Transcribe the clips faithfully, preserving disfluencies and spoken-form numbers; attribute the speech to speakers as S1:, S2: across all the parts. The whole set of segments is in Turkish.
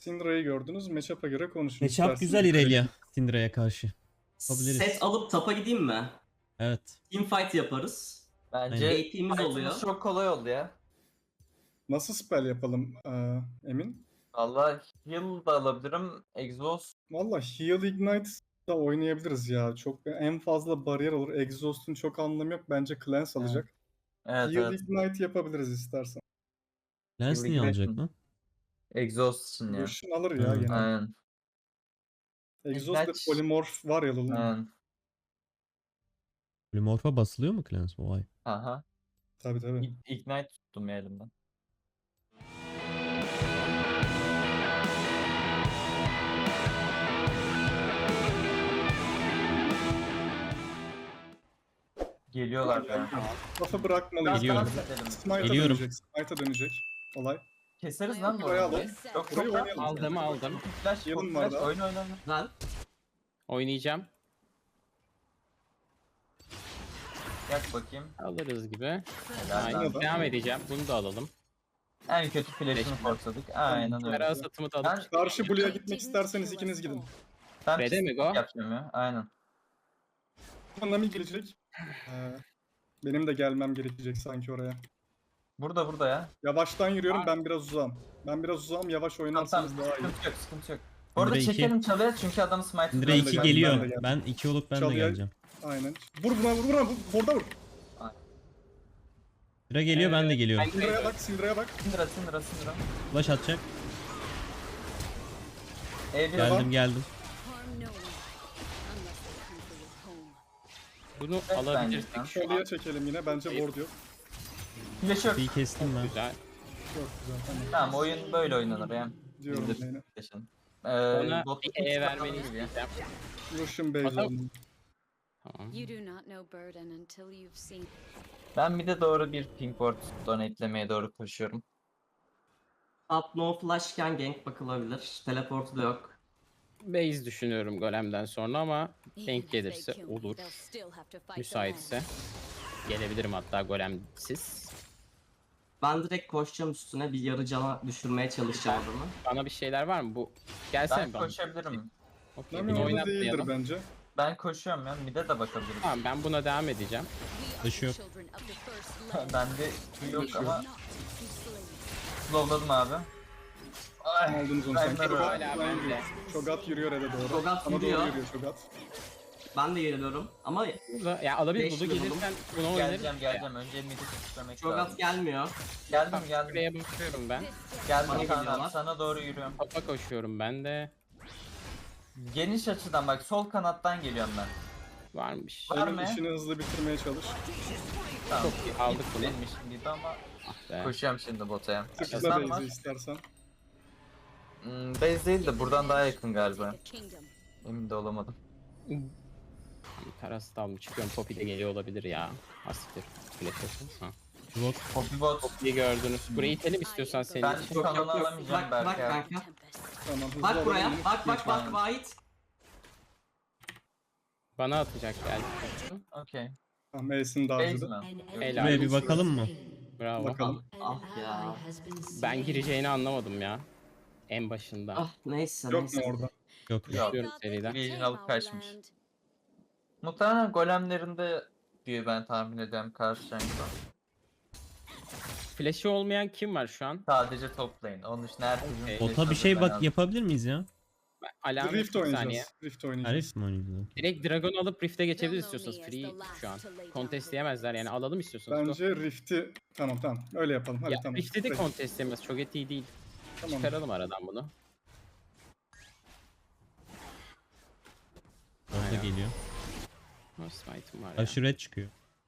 S1: Syndra'yı gördünüz. Matchup'a göre konuşun.
S2: Matchup
S1: isterseniz.
S2: güzel Irelia Syndra'ya karşı. Yapabiliriz.
S3: Set alıp tapa gideyim mi?
S2: Evet.
S3: Teamfight yaparız.
S4: Bence
S2: Aynen.
S3: A P'miz
S4: fight'ımız
S3: oluyor.
S4: çok kolay oldu ya.
S1: Nasıl spell yapalım ee, Emin?
S4: Valla heal da alabilirim. Exhaust.
S1: Valla Heal Ignite da oynayabiliriz ya. Çok en fazla bariyer olur. Exhaust'un çok anlamı yok. Bence Cleanse alacak.
S4: Evet
S1: Heal
S4: evet.
S1: Ignite yapabiliriz istersen.
S2: Lens niye
S4: Ignite
S2: alacak
S4: mi?
S2: lan?
S4: Exhaust için ya.
S1: Lucian alır ya
S2: Hı.
S1: gene.
S4: Aynen.
S1: Exhaust ve
S4: Ignite-
S1: Polymorph var ya Lulun.
S4: Aynen.
S2: Polymorph'a basılıyor mu Clans? Vay.
S4: Aha.
S1: Tabii tabii.
S4: İ- Ignite tuttum ya elimden. Geliyorlar be.
S1: Kafa bırakmalıyız.
S2: Geliyorum.
S4: Dans edelim.
S1: Smite'a
S2: Geliyorum.
S1: dönecek. Smite'a dönecek. Olay.
S4: Keseriz lan bu
S1: Buraya
S4: arada.
S1: alalım.
S4: Çok
S1: Burayı
S4: çok
S1: oynayalım.
S5: Aldım aldım.
S4: Flash,
S1: Yılın
S4: çok
S1: var
S4: flash.
S1: daha.
S4: Oyun oyna oyna.
S3: Güzel.
S5: Oynayacağım.
S4: Yak bakayım.
S5: Alırız gibi.
S4: Helal
S5: Aynen.
S4: lan.
S1: da.
S5: Devam edeceğim. Bunu da alalım.
S4: En kötü flash'ını forsladık. Aynen öyle.
S5: Kara satımı da
S4: Ben,
S5: alıp
S1: Karşı Blue'ya gitmek isterseniz ikiniz gidin.
S4: ben
S5: B'de mi go?
S4: yapacağım ya. Aynen.
S1: Nami gelecek. Ee, benim de gelmem gerekecek sanki oraya.
S4: Burada burada ya.
S1: Yavaştan yürüyorum, ben biraz uzağım. Ben biraz uzağım, yavaş
S4: Tamam
S1: oynarsanız
S4: tamam.
S1: daha iyi.
S4: Sıkıntı yok sıkıntı yok. Bu arada
S2: Syndra iki.
S4: çekelim çalıya çünkü adamı smite
S2: Syndra
S1: Ben de
S2: iki
S1: geldim, ben de
S2: geliyor.
S1: geldim.
S2: Ben iki olup ben de
S1: Çalıya-
S2: geleceğim.
S1: Aynen. Vur buna, vur buna, vur. Orada vur.
S2: Syndra geliyor ben de
S5: Ee,
S2: geliyorum.
S5: ben-
S1: Syndra'ya bak, Syndra'ya bak.
S4: Syndra Syndra Syndra.
S2: Flash atacak.
S4: E bir
S2: Geldim geldim.
S5: bunu
S4: Evet,
S5: alabilirsek
S4: bence.
S5: şu an.
S1: Çalıya çekelim yine, bence ward yok.
S4: flash yok.
S2: Bir kestim ben.
S5: Güzel.
S1: Çok güzel, tamam.
S4: Tamam oyun böyle oynanır ya.
S1: Diyorum
S4: Bildir.
S1: yine.
S4: Flash'ın.
S5: Ona
S4: Ee, bot
S5: bir E vermeni isteyeceğim.
S1: Lucian Base
S5: Adam-
S1: oldu.
S5: Tamam.
S6: You do not know Burden until you've seen.
S4: Ben bir de doğru bir ping board donatelemeye doğru koşuyorum.
S3: Up no flashken gank bakılabilir. Teleportu da yok.
S5: Base düşünüyorum golemden sonra ama denk gelirse olur. Müsaitse. Gelebilirim hatta golemsiz.
S3: Ben direkt koşacağım üstüne, bir yarı cana düşürmeye çalışacağım adamı.
S5: Bana bir şeyler var mı? Bu gelsene
S4: Ben
S5: bana.
S4: koşabilirim.
S5: Okey,
S1: Nami
S5: bunu
S1: orada değildir
S5: oynatmayalım.
S1: bence.
S4: Ben koşuyorum ya. Mid'e de bakabiliriz.
S5: Tamam ben buna devam edeceğim.
S2: Taşı yok.
S4: Bende Q yok ama slowladım abi. Ay,
S1: Aldınız onu sanki.
S4: Ragnar
S1: Çogat,
S5: hala
S1: Ragnar
S5: bende.
S1: yürüyor. Çogat yürüyor ele doğru.
S3: Çogat
S1: Ama
S3: yürüyor.
S1: doğru yürüyor Çogat.
S3: Ben de geliyorum ama
S5: Burada ya alabilir
S3: Beş
S5: Dudu
S3: yıl
S5: gelirsen bunu oynarız.
S4: geleceğim geleceğim. Önce mid'i tutmak
S3: Çogat
S4: lazım.
S3: gelmiyor.
S4: Geldim
S5: Tamam,
S4: geldim.
S5: Buraya bakıyorum ben.
S4: Geldim
S3: Bana
S4: Kaan
S3: geliyorlar.
S4: abi. Sana doğru yürüyorum.
S5: Topa koşuyorum ben de.
S4: Geniş açıdan bak sol kanattan geliyorum ben.
S5: Varmış.
S4: Var
S1: Emin
S4: mı?
S1: işini hızlı bitirmeye çalış.
S4: Tamam.
S5: Çok iyi, aldık bunu.
S4: Benim işim değil ama
S5: Ah be.
S4: koşuyorum şimdi botaya.
S1: Tıkla
S4: Sen var.
S1: base'i istersen.
S4: Hmm, base değil de buradan daha yakın galiba. Emin de olamadım.
S5: Tarası da almış. Çıkıyorum. Poppy de geliyor olabilir ya. Asiktir. Flash olsun. Ha.
S2: Bot.
S4: Poppy bot.
S5: Poppy'yi gördünüz. Burayı itelim istiyorsan senin
S4: Ben
S5: için.
S4: çok
S3: Yok, yok,
S4: alanı
S3: yok.
S4: alamayacağım
S3: Bak, bak
S4: belki. abi.
S3: kanka.
S1: Tamam hızlı
S3: Bak
S1: alalım,
S3: buraya.
S1: yine
S3: Bak bak bak
S4: Aynen.
S3: Vahit.
S5: Bana atacak belki.
S4: Okey.
S1: Tamam Ace'in
S4: Base
S1: dağcıdı.
S4: mi?
S5: Helal.
S2: Buraya bir bakalım mı?
S5: Bravo.
S1: Bakalım.
S3: Ah ya.
S5: Ben gireceğini anlamadım ya. En başında.
S3: Ah neyse
S1: Yok mu
S3: neyse.
S1: orada?
S2: Yok.
S4: Yok.
S5: Düşüyorum seriden.
S4: Vision alıp kaçmış. Muhtemelen golemlerinde diye ben tahmin ediyorum karşı renkte.
S5: Flash'i olmayan kim var şu an?
S4: Sadece top lane. Onun için herkesin
S5: Okey.
S4: flash'ı
S2: Bota bir şey
S4: hazır, ben
S2: bak yapabilir miyiz ya?
S5: Ben alamet
S1: Rift
S5: bir saniye.
S1: oynayacağız. Rift oynayacağız.
S2: Arif mi oynuyoruz?
S5: Direkt Dragon alıp Rift'e geçebiliriz istiyorsanız. Free şu an. Contestleyemezler yani alalım istiyorsanız.
S1: Bence Rift'i... Tamam tamam. Öyle yapalım. Hadi
S5: Ya
S1: tamam.
S5: Rift'te de
S1: Peki,
S5: contestleyemez. Çok eti değil.
S1: Tamam.
S5: Çıkaralım aradan bunu.
S2: Orada
S5: Aynen.
S2: geliyor.
S5: Oh, smite'ım var ya.
S2: Karşı red çıkıyor.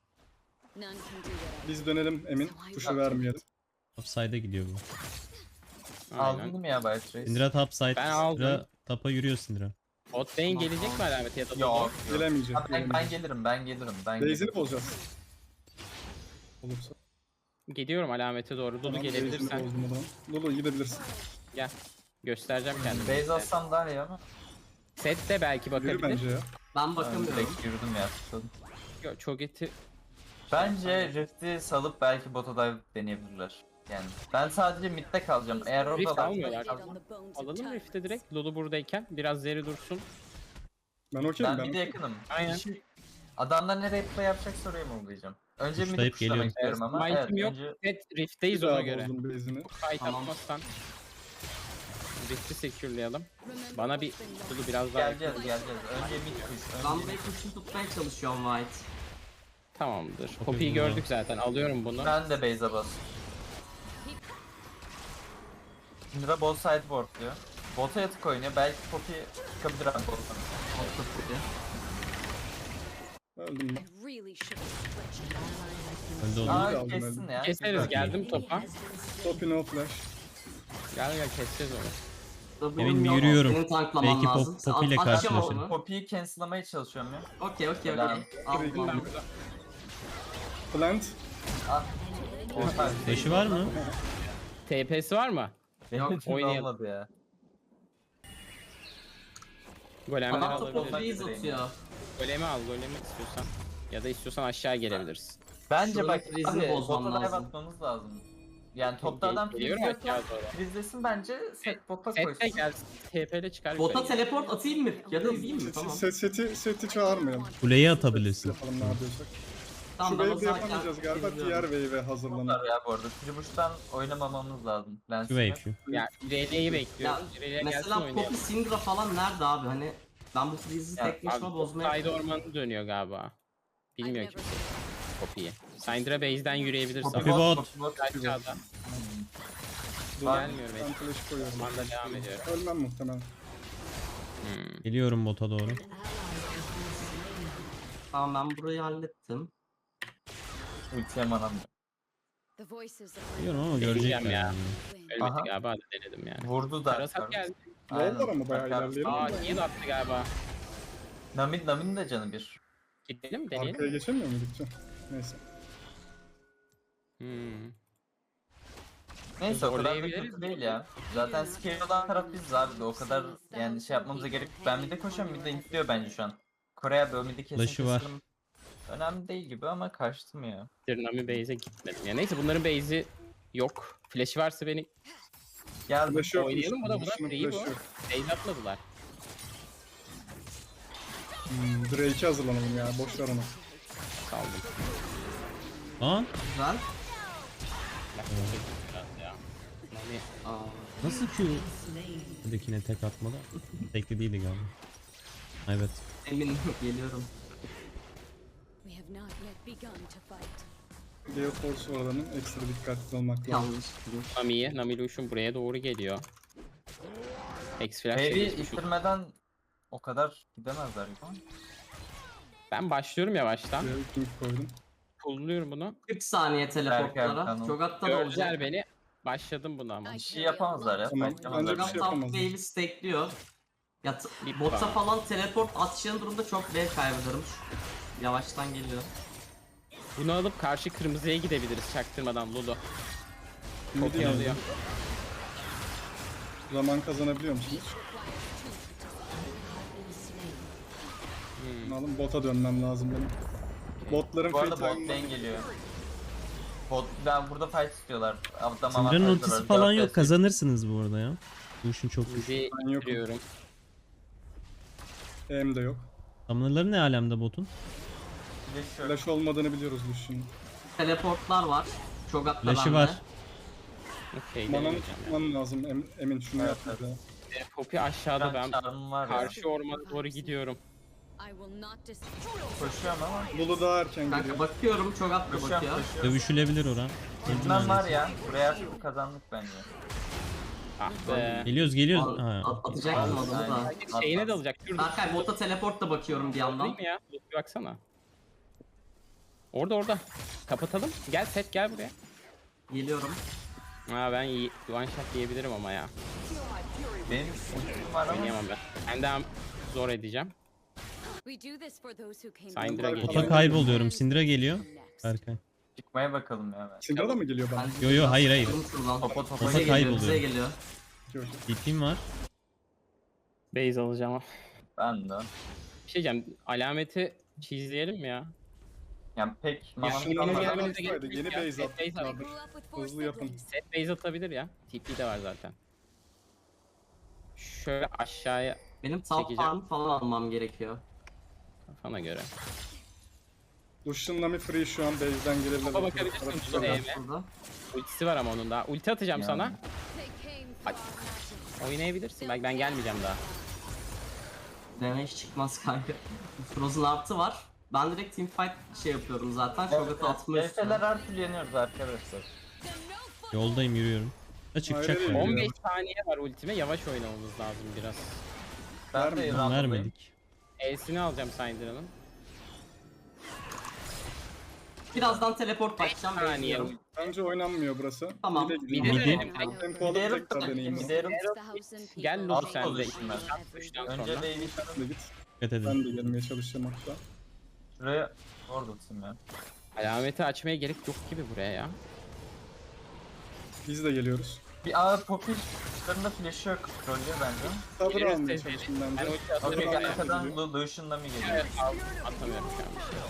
S1: Biz dönelim Emin. Tuşu vermeyelim.
S2: Upside'a gidiyor bu.
S4: Aldın
S5: Aynen.
S4: değil mi ya Bay Trace?
S2: Syndra topside.
S5: Ben aldım.
S2: Syndra tapa yürüyor Syndra.
S5: Bot lane gelecek mi alameti ya da
S4: Yok.
S5: Dodo?
S4: yok.
S1: Gelemeyecek.
S4: Ha, ben, ben
S1: gelemeyecek.
S4: gelirim ben gelirim ben
S1: Base'ini
S4: gelirim.
S1: bozacağız. Olursa.
S5: Gidiyorum alamete doğru. Dudu
S1: Tamam,
S5: gelebilirsen.
S1: base'ini bozdum o zaman. Lulu gidebilirsin.
S5: Gel. Göstereceğim kendimi.
S4: Base atsam daha iyi ama.
S5: Set de belki
S1: Yürü
S5: bakabilir.
S1: bence ya.
S3: Ben
S4: Ben
S3: bakamıyorum.
S4: direkt yürüdüm ya. tutladım.
S5: Yok, çok eti.
S4: Bence Rift'i salıp belki bota dive deneyebilirler. Yani ben sadece midde kalacağım. Eğer
S5: Rift
S4: orada
S5: almıyorlar.
S4: kalsam-
S5: Alalım Rift'e direkt. Lulu buradayken biraz zeri dursun.
S1: Ben okeyim
S4: ben
S1: ben.
S4: midde
S1: okeyim.
S4: yakınım.
S5: Aynen.
S4: Şimdi adamlar nereye play yapacak soruyu mu bulacağım? Önce mid'i
S2: Tuşlayıp
S4: pushlamak
S2: geliyorum.
S4: istiyorum ama
S5: Smite'im
S4: evet
S5: yok.
S4: önce
S5: Evet Rift'teyiz
S1: Bir
S5: ona
S1: daha
S5: göre.
S1: bozdum base'ini.
S5: Fight
S3: Tamam.
S5: atmazsan. Rift'i secure'layalım. Bana bir Lulu biraz daha
S4: geleceğiz
S5: yakın.
S4: geleceğiz. Önce mid push.
S3: Ben
S4: Önce
S3: burayı
S4: mid.
S3: kuşun tutmaya çalışıyorum White.
S5: Tamamdır.
S2: Çok
S5: Poppy'yi
S2: iyi
S5: gördük zaten. Alıyorum bunu.
S4: Ben de base'e bas. Syndra bot sideboard diyor. Bota yatık oynuyor. Belki Poppy çıkabilir abi bottan.
S3: Altta Poppy.
S1: Öldüm ben.
S6: I really should have switched.
S2: Öldü oğlum.
S4: Aa
S1: aldım
S4: kessin
S1: ben.
S4: ya.
S5: Keseriz
S4: Güzel.
S5: geldim topa.
S1: Copy no flash.
S5: Gel gel keseceğiz onu.
S3: W'm
S2: Emin
S3: yok.
S2: yürüyorum.
S3: Senin tanklaman
S2: Belki
S3: lazım.
S2: Pop-
S3: Sen
S2: Poppy ile
S3: at- atacağım
S2: karşılaşırım.
S3: onu.
S4: Poppy'yi cancel'lamaya çalışıyorum ya.
S3: Okey okey
S4: Helal.
S3: okey. Aldım
S1: Tabii
S3: ben.
S1: ki. Plant.
S4: Orta.
S2: Flash'ı var mı?
S5: T P'si var mı?
S4: Benim
S3: Yok,
S4: için
S5: oynayalım.
S4: olmadı ya.
S5: Golemleri
S3: Adam da
S5: alabiliriz.
S3: Poppy'yi atıyor.
S5: Golemi al, golemi istiyorsan. Ya da istiyorsan aşağı gelebiliriz.
S4: Bence
S3: Şuranın
S4: bak
S3: freeze'ini
S4: abi
S3: bozmam
S4: bota dive
S3: lazım.
S4: atmamız lazım. Yani topta adam
S5: Geliyorum
S4: freeze yokken
S5: aşağı doğru.
S4: freezelesin bence set bota
S5: Sette
S4: koysun.
S5: gel, T P'le çıkar.
S3: Bota
S5: yukarı.
S3: teleport atayım mı? Ya da izleyeyim mi?
S1: Seti,
S3: Tamam.
S1: set, seti, seti çağırmayalım.
S2: Kuleyi atabilirsin.
S1: Yapalım ne yapıyorsak. Şu
S3: Tamam ben o
S1: wave'i
S3: zaman
S1: yapamayacağız galiba.
S3: izliyorum.
S1: Diğer wave'e hazırlanalım.
S4: Var ya bu arada. Tribuş'tan oynamamamız lazım.
S2: Şu
S4: Lens'ime.
S2: wave şu.
S5: Ya İrelia'yı bekliyoruz.
S3: Ya,
S5: İrelia gelsin
S3: Mesela
S5: oynayalım.
S3: Poppy Syndra falan nerede abi? Hani ben bu freeze'i
S4: Ya,
S3: tek başıma
S5: Abi
S3: bozmaya...
S5: side ormanı dönüyor galiba. Bilmiyor
S6: I've
S5: kimse
S6: never-
S5: Poppy'yi. Syndra base'den yürüyebilir
S4: Poppy
S5: sanırım.
S2: bot.
S4: Poppy bot.
S5: Aşağıda.
S1: Dur,
S5: Gelmiyor
S1: ben
S5: belki.
S1: flash koyuyorum.
S5: Ormanda devam ediyor.
S1: Ölmem muhtemelen.
S5: Hmm.
S2: Geliyorum bota doğru.
S3: Tamam ben burayı hallettim.
S4: Ultiye manam. yok.
S6: The voices that
S2: Geliyorum ama
S5: Deneyeceğim
S2: görecekler
S5: ya.
S2: yani.
S5: Ölmedi
S4: Aha.
S5: galiba da denedim yani.
S4: Vurdu da.
S5: Karasat geldi.
S1: Aynen. Var ama bayağı ilerleyelim.
S5: Aa heal attı galiba.
S4: Namin, Namin de canı bir.
S5: Gidelim mi deneyelim?
S1: Arkaya geçemiyor mu gideceğim? Neyse.
S5: Hmm.
S4: Neyse o kadar da
S5: Zorlayabiliriz
S4: kötü değil ya. Zaten scale olan taraf biziz abi de o kadar yani şey yapmamıza gerek yok. Ben mid'e koşuyorum mid'e infliyor bence şu an. Kore'ye böyle mid'i kesin
S2: Flash'ı var.
S4: keselim. Önemli değil gibi ama kaçtım ya.
S5: Nami base'e gitmedim. Ya neyse bunların base'i yok. Flash'i varsa beni
S4: Geldim.
S1: Flash yok.
S5: Oynayalım mı da buna?
S1: Lucian'ın
S5: Free bu.
S1: flash yok.
S5: base atmadılar.
S1: Hmm, Drake'e hazırlanalım ya. Boş ver onu.
S5: Saldım.
S2: Aa,
S3: Güzel.
S5: Biraz ya. Nami
S3: Aa,
S2: nasıl Q? Buradakine tek atmadı. Tekli değildi galiba. Evet.
S3: eminim geliyorum.
S6: We have not yet begun to fight.
S1: Gale Force var adamın. Ekstra dikkatli olmak lazım.
S3: Yanlış.
S5: Nami'ye, Nami Lucian buraya doğru geliyor. X-Flash
S4: Wave'i
S5: geçmiş.
S4: ittirmeden o kadar gidemezler gibi.
S5: Ben başlıyorum yavaştan.
S1: Gale King koydum.
S5: Pullluyorum bunu.
S3: kırk saniye teleportlara.
S4: Erken,
S3: Çok hatta da
S5: Gördüler
S3: olacak.
S5: beni. Başladım buna ama.
S6: I
S4: Bir şey
S6: carry a
S4: yapamazlar ya.
S6: lot
S1: Tamam,
S6: of
S1: bence
S6: weight.
S1: bir şey
S3: Çok top
S1: yapamazlar.
S3: wave'i stakeliyor. Ya t-
S5: Bir
S3: bota
S5: puan.
S3: falan teleport atacağın durumda çok wave kaybederim. Yavaştan geliyor.
S5: Bunu alıp karşı kırmızıya gidebiliriz çaktırmadan Lulu.
S1: Midi
S5: Çok iyi
S1: yazdım.
S5: alıyor.
S1: Zaman kazanabiliyor musunuz?
S5: Hmm.
S1: Alın bota dönmem lazım benim. Botların
S4: Bu arada
S1: free
S4: bot
S1: time'ı-
S4: lane geliyor. Bot, ben burada fight istiyorlar. Adam
S2: Syndra'nın
S4: avantajlı
S2: ultisi
S4: var.
S2: falan
S4: Dört
S2: yok.
S4: vs.
S2: Kazanırsınız bu arada ya. Bu işin çok güçlü.
S5: Bizi
S1: Ben yokum.
S5: giriyorum.
S1: Em de yok.
S2: Summoner'ları ne alemde botun?
S4: Flash yok.
S1: Flash olmadığını biliyoruz Lucian'ın.
S3: Teleportlar var. Çok hatta
S2: Flash'ı
S3: bende.
S2: var.
S5: Okey
S1: Manam
S5: deneyeceğim ya.
S1: tutman lazım. Em, Emin şunu
S4: Evet,
S1: yap
S4: evet.
S1: bir de.
S5: E, Poppy aşağıda
S4: Ben
S5: ben
S4: çarmım var ya.
S5: karşı ormana doğru gidiyorum.
S6: I will not dis-
S4: Koşuyorum ama.
S1: Lulu daha erken
S3: Kanka
S1: geliyor.
S3: bakıyorum çok hatta
S4: Koşuyorum
S3: bakıyor.
S4: koşuyorum.
S2: Dövüşülebilir oran.
S4: Bilmem var ya. Buraya artık kazandık bence.
S5: Ah be.
S2: Geliyoruz geliyoruz.
S3: At-
S2: Ha.
S3: at- Atacaktım adamı da.
S4: Aynen.
S5: Şeyine dalacak. Dur dur.
S3: Berkay bota teleport da bakıyorum bir yandan.
S5: Değil mi ya? Dur, bir baksana. Orada orada. Kapatalım. Gel set gel buraya.
S3: Geliyorum.
S5: Aa ben iyi one shot diyebilirim ama ya.
S4: Benim ultim var ama.
S5: Oynayamam ben. Ben daha zor edeceğim.
S6: We do this for those who came
S5: Syndra
S6: before.
S5: geliyor.
S2: Bota kayboluyorum. Syndra geliyor.
S6: Next.
S2: Berkay.
S4: Çıkmaya bakalım ya ben.
S1: Syndra da mı geliyor bana?
S3: Ben
S2: Yo yo hayır hayır.
S3: çıktım şuradan.
S4: Topa topa
S2: Bota
S3: Bize
S4: geliyor.
S3: geliyor, bize
S2: kayboluyor.
S3: geliyor.
S1: Yok.
S2: D P'm var.
S5: Base alacağım ama.
S4: Ben de.
S5: Bir şey diyeceğim. Alameti çizleyelim mi ya?
S4: Yani pek
S5: Ya
S4: mamam
S5: şimdi
S1: Şundan
S5: benim
S4: kalmadı.
S1: gelmem
S5: gelmemize
S1: istedi.
S5: gerek
S1: Yeni
S5: yok ya.
S1: base
S5: Set base
S1: attılar.
S5: at-
S6: I grew up with four
S1: Hızlı yapın.
S6: siblings.
S5: Set base atabilir ya. T P de var zaten. Şöyle aşağıya
S3: Benim top
S5: Çekeceğim.
S3: farm falan almam gerekiyor.
S5: kafana göre.
S1: Lucian Nami free şu an base'den gelebilir.
S5: Topa bakabilirsin,
S1: Tarafı
S5: Lucian
S1: güzel.
S5: Nami.
S3: Burada.
S5: Ultisi var ama onun daha. Ulti atacağım
S4: Yani.
S5: sana.
S6: They came
S5: Ay.
S6: far matches.
S5: Oynayabilirsin. Belki ben gelmeyeceğim daha.
S3: Damage çıkmaz kanka. Frozen artı var. Ben direkt teamfight şey yapıyorum zaten. Shogat'ı atma
S4: Efeler
S3: üstüne.
S4: her türlü yeniyoruz arkadaşlar.
S2: Yoldayım, yürüyorum. Da çıkacak
S1: Hayır,
S2: mı?
S1: hayır.
S5: on beş saniye var ultime. Yavaş oynamamız lazım biraz.
S4: Ben de
S1: Vermedim,
S4: round'dayım.
S2: Vermedik.
S5: E'sini alacağım Syndra'nın.
S3: Birazdan teleport bakacağım.
S5: saniye.
S3: Bekliyorum.
S1: Bence oynanmıyor burası.
S3: Tamam.
S1: Bir de
S5: Bir
S1: gidiyor.
S5: de
S2: Midi-
S5: denelim.
S1: Tempo alıp
S4: Giderim,
S1: tekrar deneyeyim.
S4: giderim.
S6: It's the house and
S5: Gel
S6: people
S5: Luz
S6: who
S5: sen de.
S6: change
S4: Position'dan.
S5: Üçten
S4: Önce
S5: sonra.
S4: Dave'i
S1: Sen de git.
S2: Dikkat edin.
S1: Ben de gelmeye çalışacağım hatta.
S4: şuraya orada tutayım ya.
S5: Alameti açmaya gerek yok gibi buraya ya.
S1: Biz de geliyoruz.
S4: Bir A Poppy kuşlarında flash'ı yok. Trollüyor bence.
S1: Sabır
S5: Gireriz
S1: almaya
S5: tezgahı.
S1: çalışın
S5: Ben
S1: bence.
S5: ulti atarım.
S4: Okey
S1: Tamam,
S5: ya.
S4: arkadan
S1: gidiyor.
S4: Lu- Lucian'la mı geliyor?
S5: Evet, al- atamıyorum şu an bir şey.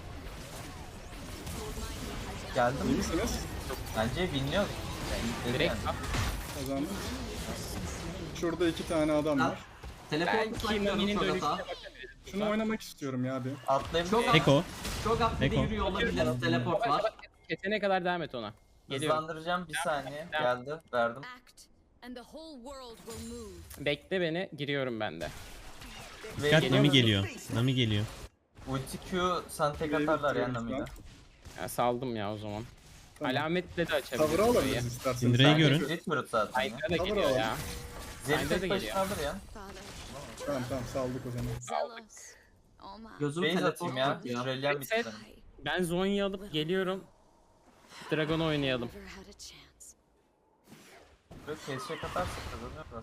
S4: Geldi
S1: İyi
S4: mi?
S1: misiniz?
S4: Bence bilmiyoruz. Yani,
S5: Direkt
S4: yani.
S5: al.
S1: Kazandık. Şurada iki tane adam var.
S3: Teleport
S5: Belki
S3: bakıyorum
S5: Nami'nin dönüşüne
S3: Shogat'a.
S5: bakabiliriz.
S1: Şunu oynamak istiyorum ya abi.
S4: Atlayabilir
S3: Çok
S4: miyim?
S2: Eko.
S3: Shogat bir de
S2: Eko.
S3: yürüyor olabilir. Teleport var.
S5: Kesene kadar devam et ona. Geliyorum.
S4: Hızlandıracağım bir saniye.
S5: Devam.
S4: Geldi. Verdim.
S6: act, and the whole world will move.
S5: Bekle beni. Giriyorum ben de.
S4: Ve
S2: Dikkat, Nami
S4: geliyor.
S2: geliyor. Nami geliyor.
S4: Ulti Q sana tek
S1: Wave'i
S4: atarlar ya
S1: bitiriyoruz
S4: Nami'de.
S1: lan.
S5: Ya saldım ya o zaman.
S1: Tamam.
S5: Alametle de
S1: Tavırı
S5: açabiliriz burayı.
S1: alabiliriz isterseniz.
S2: Syndra'yı
S4: Bence
S2: görün.
S4: Split Brute zaten ya.
S5: Syndra da
S1: Tavır
S5: geliyor
S1: alalım.
S5: ya.
S4: Zeri
S5: Syndra da
S4: tek
S5: geliyor.
S4: başına alır ya.
S6: Father,
S1: Tamam tamam saldık o zaman.
S6: zealous, all my
S3: Gözüm
S4: Base
S3: teleport
S4: atayım ya.
S3: bakıyor.
S4: Şurelyen
S5: Set.
S4: bitsin.
S5: Ben Zonya'yı alıp geliyorum. Dragon oynayalım.
S6: never had a chance.
S4: Böyle kesecek atarsak kazanıyor biraz.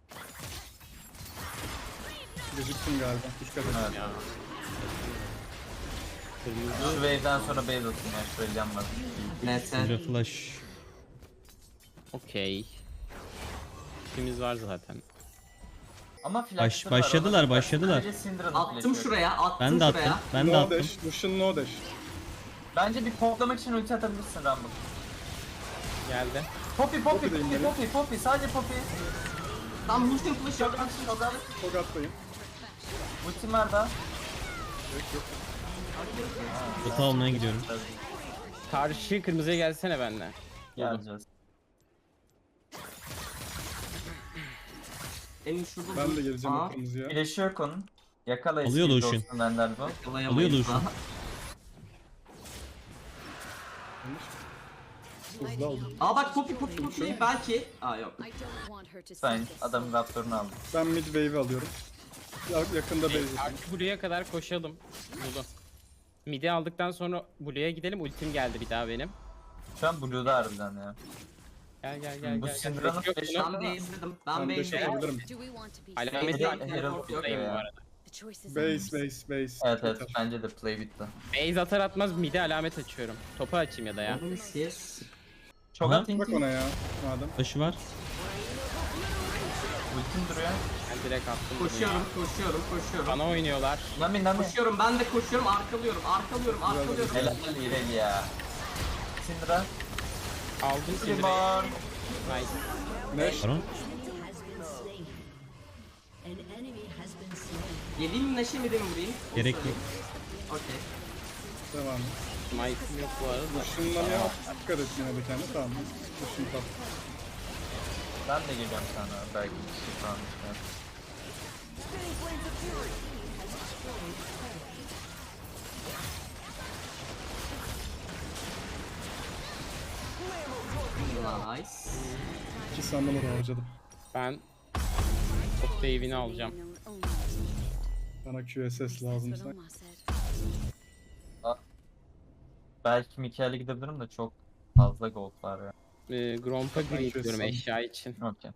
S1: Geciktim galiba. Dikkat edin.
S4: Evet.
S5: Ya.
S4: Şu wave'den sonra base atayım ya. Şurelyen var.
S3: Neyse.
S2: Syndra flash.
S5: Okey. İşimiz var zaten.
S4: Ama
S2: Baş-
S4: flash'ları var,
S2: başladılar,
S4: ona-
S2: başladılar.
S4: Sadece Syndra'nın
S3: Attım
S4: flash'ı yok.
S3: şuraya, attım
S2: Ben de
S3: şuraya.
S2: attım. Ben de
S1: No
S2: attım.
S1: dash. Lucian no dash.
S4: Bence bir poplamak için ulti atabilirsin Rumble.
S5: Geldi.
S4: Poppy, Poppy,
S1: Poppy'deyim
S4: Poppy,
S1: benim.
S4: Poppy, Poppy, sadece Poppy.
S3: Tam Lucian flash yok.
S1: Togat'tayım.
S4: Ultim var da.
S2: Bota almaya gidiyorum.
S5: Karşı kırmızıya gelsene benimle.
S4: Geleceğiz.
S3: Benim şurada
S1: Ben de geleceğim
S3: Aa,
S1: o kırmızıya.
S4: Flash'ı yok onun. Yakala
S2: Alıyor
S4: eski
S2: Lucian.
S4: dostum benden bu.
S3: yakalayamayız
S2: Alıyor
S3: daha.
S1: Hızlı aldım.
S3: Aa bak Poppy Poppy Poppy belki. Aa yok.
S6: I don't want her to see
S4: Sen
S6: this.
S4: adamın raptorunu aldın.
S1: Ben mid wave'i alıyorum. Ya- Yakında base atayım.
S5: Artık buraya kadar koşalım. Bulu. Midi aldıktan sonra Blue'ya gidelim. Ultim geldi bir daha benim.
S4: Şu an Blue'da harbiden ya.
S5: Gel gel gel
S4: Bu
S5: gel.
S4: Syndra'nın
S5: Yok,
S4: flash'ı
S5: yok.
S3: Ben base'ledim. Ben
S1: Ben dash
S3: base'ledim.
S1: atabilirim.
S6: Do we want to be
S5: Alameti
S3: Herald-
S5: açtım.
S3: Herald yok
S5: Buradayım
S4: ya.
S5: bu arada.
S6: The choice is
S1: Base
S6: ours.
S1: base base.
S4: Evet evet
S1: Yeter.
S4: bence de play bitti.
S5: Base atar atmaz midi alamet açıyorum. Topu açayım ya da ya.
S3: Oğlum siz.
S4: Çok
S2: Aha.
S4: atayım
S1: Bak ona ya. Madem.
S2: Flash'ı var.
S4: ultim duruyor.
S5: Ben direkt attım bunu ya.
S3: Koşuyorum, koşuyorum, koşuyorum.
S5: Bana oynuyorlar.
S4: Nami Nami.
S3: Koşuyorum, ben de koşuyorum, arkalıyorum, arkalıyorum, arkalıyorum.
S4: Helal İreli ya. Syndra.
S5: Aldım Syndra'yı.
S4: Limon.
S5: Nice.
S1: Neş.
S2: Baron.
S3: Geleyim mi Neşe mi de mi vurayım? Onu
S2: Gerek
S3: söyleyeyim. Okey.
S1: Devam et.
S5: Smite'ım yok bu arada.
S1: Şundan ya dikkat et yine de kendine. Tamam. Lucian tap.
S4: Ben de geliyorum sana belki bir şey falan çıkar.
S3: Nice.
S1: İki sandalye harcadım.
S5: Ben top wave'ini alacağım.
S6: Known only as needed.
S1: Bana Q S S
S6: That's
S1: lazımsa.
S6: what Oma said.
S4: Belki Mikael'e gidebilirim de çok fazla gold var ya.
S5: Ee, Gromp'a
S1: Ben
S5: green diyorum
S1: kestim.
S5: eşya için.
S4: Okey.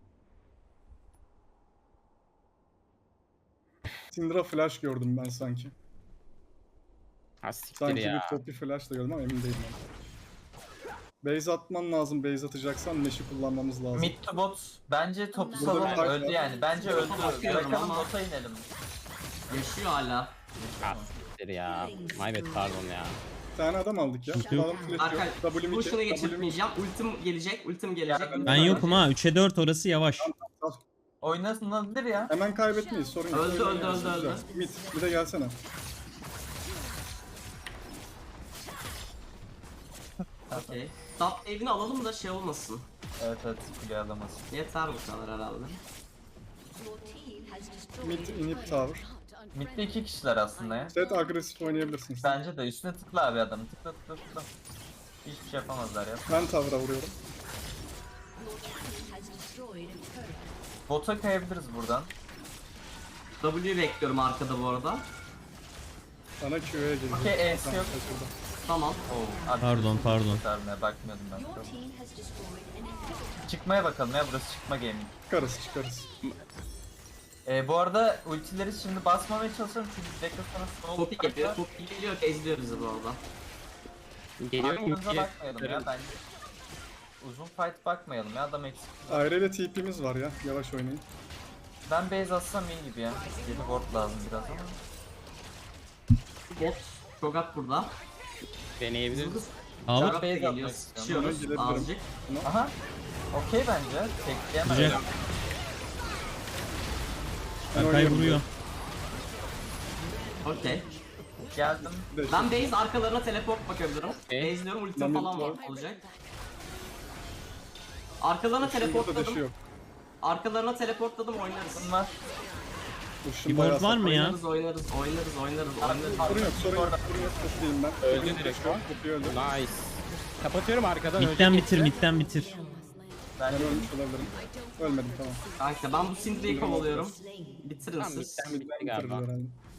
S1: Syndra flash gördüm ben sanki.
S5: Ha siktir
S1: Sanki
S5: ya.
S1: bir Poppy flash da gördüm ama emin değilim. ben. Base atman lazım. Base atacaksan Nash'i kullanmamız lazım.
S4: Mid to bot bence topu
S1: Burada
S4: salalım
S1: bir fark
S4: öldü
S1: var.
S4: yani. Bence öldü.
S3: bakıyorum
S4: Bırakalım
S3: ama-
S4: bota inelim.
S3: Yaşıyor hala.
S5: Ha siktir. Kadir ya. My bad, pardon ya.
S1: Bir tane adam aldık ya.
S2: Sıkıntı yok.
S1: Adam flash
S3: Berkay
S1: yok. W iki,
S3: bu şunu
S1: W iki.
S3: geçirtmeyeceğim. Ultim gelecek, ultim gelecek.
S4: ben-
S3: ultim
S2: Ben
S3: gelecek.
S2: yokum ha. üçe dört orası yavaş.
S4: Oynasınabilir ya.
S1: Hemen kaybetmeyiz, sorun yok.
S3: Öldü,
S1: Oyun
S3: öldü,
S1: oynuyoruz,
S3: öldü,
S1: güzel.
S3: öldü.
S1: Mid, bir de gelsene.
S3: Okey. Top wave'ini alalım da şey olmasın.
S4: Evet evet kule alamaz.
S3: Yeter bu kadar herhalde.
S1: Mid, inhib tower.
S4: Mid'de iki kişiler aslında ya.
S1: Set agresif oynayabilirsiniz.
S4: Bence de üstüne tıkla abi adamı. Tıkla tıkla tıkla. Hiçbir şey yapamazlar ya.
S1: Ben tower'a vuruyorum.
S4: Bota kayabiliriz buradan.
S3: W bekliyorum arkada bu arada.
S1: Sana Q'ya geliyor.
S4: Okey, E'si
S1: Tamam,
S4: yok.
S1: şurada.
S3: Tamam.
S4: Oo, abi
S2: Pardon, pardon.
S4: kurtarmaya bakmıyordum ben. Çıkmaya bakalım ya, burası çıkma gaming.
S1: Çıkarız çıkarız.
S4: Ee, bu arada ultileri şimdi basmamaya çalışıyorum çünkü dakika sonra slow
S3: Poppy geliyor. Poppy geliyor ki ezliyor bizi bu arada.
S5: Geliyor
S4: Arkamıza
S5: ki.
S4: bakmayalım ya bence. Uzun fight bakmayalım ya, adam eksik.
S1: Ayrı ile T P'miz var ya. Yavaş oynayın.
S4: Ben base atsam iyi gibi ya. Yeni ward lazım biraz ama.
S3: Bot. Çogat burada.
S5: Deneyebiliriz.
S2: Al.
S3: Çogat da
S4: base
S3: geliyor.
S4: atmak istiyorum.
S3: Sıçıyoruz
S1: Ona girebilirim.
S3: azıcık.
S4: Aha. Okey bence. Tekleyemem.
S2: Güzel. Berkay vuruyor.
S3: Okey.
S4: Geldim.
S1: Bir de
S3: Ben base arkalarına teleport bakabilirim.
S5: Okey.
S3: Base'liyorum, ultim
S1: Ben
S3: falan
S1: de-
S3: var olacak. Arkalarına
S1: Şurada da dışı
S3: teleportladım.
S1: yok.
S3: Arkalarına teleportladım oynarız.
S4: Bunlar.
S1: Uşun bayağı
S2: Keyboard var mı ya?
S3: Oynarız, oynarız, oynarız, oynarız, oynarız.
S1: Sorun yok, sorun yok, sorun yok. Toplayayım ben.
S5: Öldü
S1: Benim
S5: direkt
S1: flash yok,
S5: o.
S1: Poppy öldü.
S5: Nice. Kapatıyorum arkadan.
S2: Midden
S5: ölecek
S2: bitir,
S5: hepsi.
S2: midden bitir.
S1: Ben
S4: Bence
S1: ölmüş olabilirim. Ölmedim, tamam.
S3: Kanka ben bu Syndra'yı kovalıyorum. Bitirin
S5: Tamam,
S3: siz.
S5: midden bitti
S1: Bitirdi
S5: galiba.
S1: herhalde.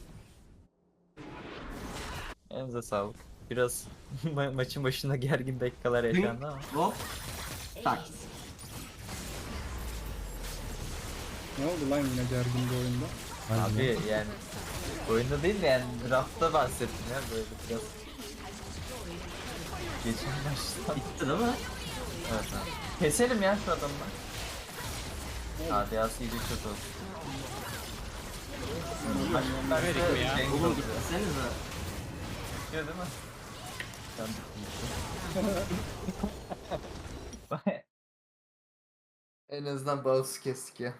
S4: elinize sağlık. Biraz ma- maçın başında gergin dakikalar yaşandı ama.
S3: Hop. Tak.
S1: Ne oldu lan yine gergin bir oyunda?
S4: Abi yani oyunda değil de yani draftta bahsettim ya böyle biraz. Geçen maçta.
S3: Bitti değil mi?
S4: Evet abi. Keselim ya şu adamı. Hadi ya C D kötü olsun. Bak, ben
S5: Verik
S4: de
S5: mi ya?
S4: Cenk
S3: Oğlum
S4: oluyor.
S3: gitsenize.
S4: Bitiyor değil mi? Ben
S7: En azından bağımsız kestik ya.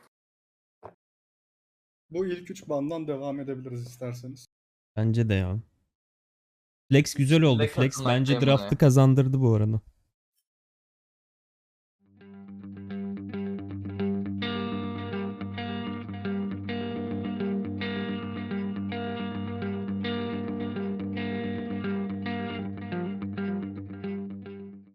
S1: Bu ilk üç bandan devam edebiliriz isterseniz.
S2: Bence de ya. Flex güzel oldu.
S4: Flex
S2: Flex
S4: atılmak
S2: bence
S4: değil mi
S2: draft'ı
S4: ya?
S2: kazandırdı bu arada.